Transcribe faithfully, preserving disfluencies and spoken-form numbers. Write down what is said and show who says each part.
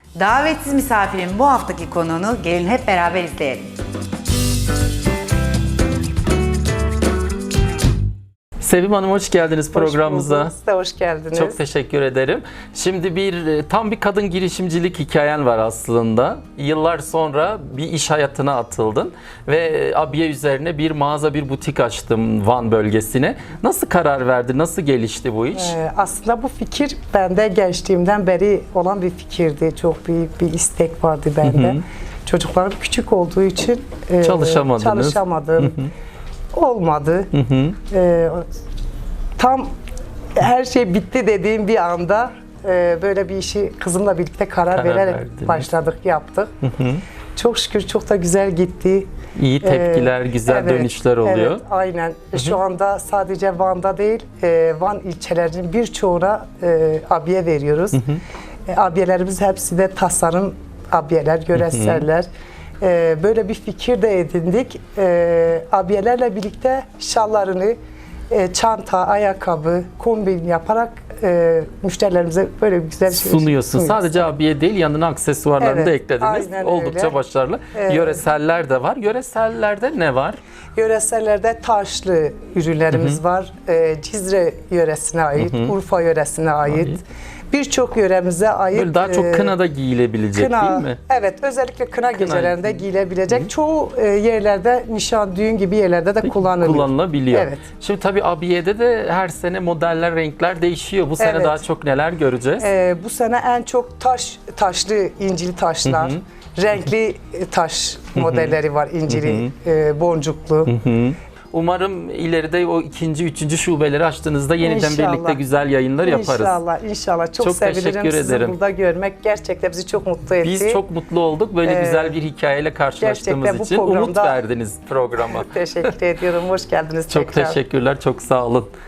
Speaker 1: Davetsiz misafirin bu haftaki konuğunu gelin hep beraber izleyelim.
Speaker 2: Sevim Hanım hoş geldiniz programımıza.
Speaker 3: Hoş bulduk. Siz de hoş geldiniz.
Speaker 2: Çok teşekkür ederim. Şimdi bir tam bir kadın girişimcilik hikayen var aslında. Yıllar sonra bir iş hayatına atıldın ve abiye üzerine bir mağaza, bir butik açtım Van bölgesine. Nasıl karar verdi? Nasıl gelişti bu iş?
Speaker 3: Ee, aslında bu fikir bende gençliğimden beri olan bir fikirdi. Çok büyük bir istek vardı bende. Hı hı. Çocuklarım küçük olduğu için e,
Speaker 2: Çalışamadınız.
Speaker 3: çalışamadım. Hı hı. Olmadı.
Speaker 2: Hı hı.
Speaker 3: Ee, tam her şey bitti dediğim bir anda e, böyle bir işi kızımla birlikte karar,
Speaker 2: Karar
Speaker 3: vererek
Speaker 2: verdiniz.
Speaker 3: başladık, yaptık.
Speaker 2: Hı hı.
Speaker 3: Çok şükür çok da güzel gitti.
Speaker 2: İyi tepkiler,
Speaker 3: Ee,
Speaker 2: güzel
Speaker 3: evet,
Speaker 2: dönüşler oluyor.
Speaker 3: Evet, aynen. Şu anda sadece Van'da değil, e, Van ilçelerinin birçoğuna e, abiye veriyoruz. E, abiyelerimiz hepsi de tasarım abiyeler, göresseller. E, böyle bir fikir de edindik. E, abiyelerle birlikte şallarını, e, çanta, ayakkabı, kombin yaparak e, müşterilerimize böyle bir güzel şey
Speaker 2: Sunuyorsun.
Speaker 3: sunuyoruz.
Speaker 2: Sadece abiye değil, yanına aksesuarlarını
Speaker 3: Evet,
Speaker 2: da eklediniz.
Speaker 3: aynen
Speaker 2: Oldukça
Speaker 3: öyle.
Speaker 2: başarılı.
Speaker 3: Evet.
Speaker 2: Yöreseller de var. Yöresellerde ne var?
Speaker 3: Yöresellerde taşlı ürünlerimiz
Speaker 2: Hı hı.
Speaker 3: var. Ee, Cizre yöresine ait,
Speaker 2: Hı hı.
Speaker 3: Urfa yöresine ait.
Speaker 2: Ait.
Speaker 3: Birçok yöremize ait.
Speaker 2: Böyle daha çok
Speaker 3: e,
Speaker 2: kınada giyilebilecek
Speaker 3: kına,
Speaker 2: değil mi?
Speaker 3: Evet, özellikle kına,
Speaker 2: Kına-
Speaker 3: gecelerinde giyilebilecek. Çoğu e, yerlerde, nişan, düğün gibi yerlerde de kullanılıyor.
Speaker 2: Kullanılabiliyor.
Speaker 3: Evet.
Speaker 2: Şimdi tabii abiyede de her sene modeller, renkler değişiyor. Bu sene
Speaker 3: Evet.
Speaker 2: daha çok neler göreceğiz?
Speaker 3: Ee, bu sene en çok taş, taşlı, incili taşlar,
Speaker 2: Hı
Speaker 3: renkli e, taş modelleri var, incili, e, boncuklu.
Speaker 2: Hı hı. Umarım ileride o ikinci, üçüncü şubeleri açtığınızda yeniden
Speaker 3: İnşallah.
Speaker 2: birlikte güzel yayınlar yaparız.
Speaker 3: İnşallah, inşallah. Çok,
Speaker 2: Çok
Speaker 3: sevinirim
Speaker 2: teşekkür
Speaker 3: sizi
Speaker 2: ederim.
Speaker 3: burada görmek. Gerçekten bizi çok mutlu etti.
Speaker 2: Biz çok mutlu olduk. Böyle
Speaker 3: Ee,
Speaker 2: güzel bir hikayeyle karşılaştığımız
Speaker 3: gerçekten bu
Speaker 2: için umut
Speaker 3: programda-
Speaker 2: verdiniz programa.
Speaker 3: Teşekkür ediyorum. Hoş geldiniz
Speaker 2: Çok
Speaker 3: tekrar.
Speaker 2: teşekkürler. Çok sağ olun.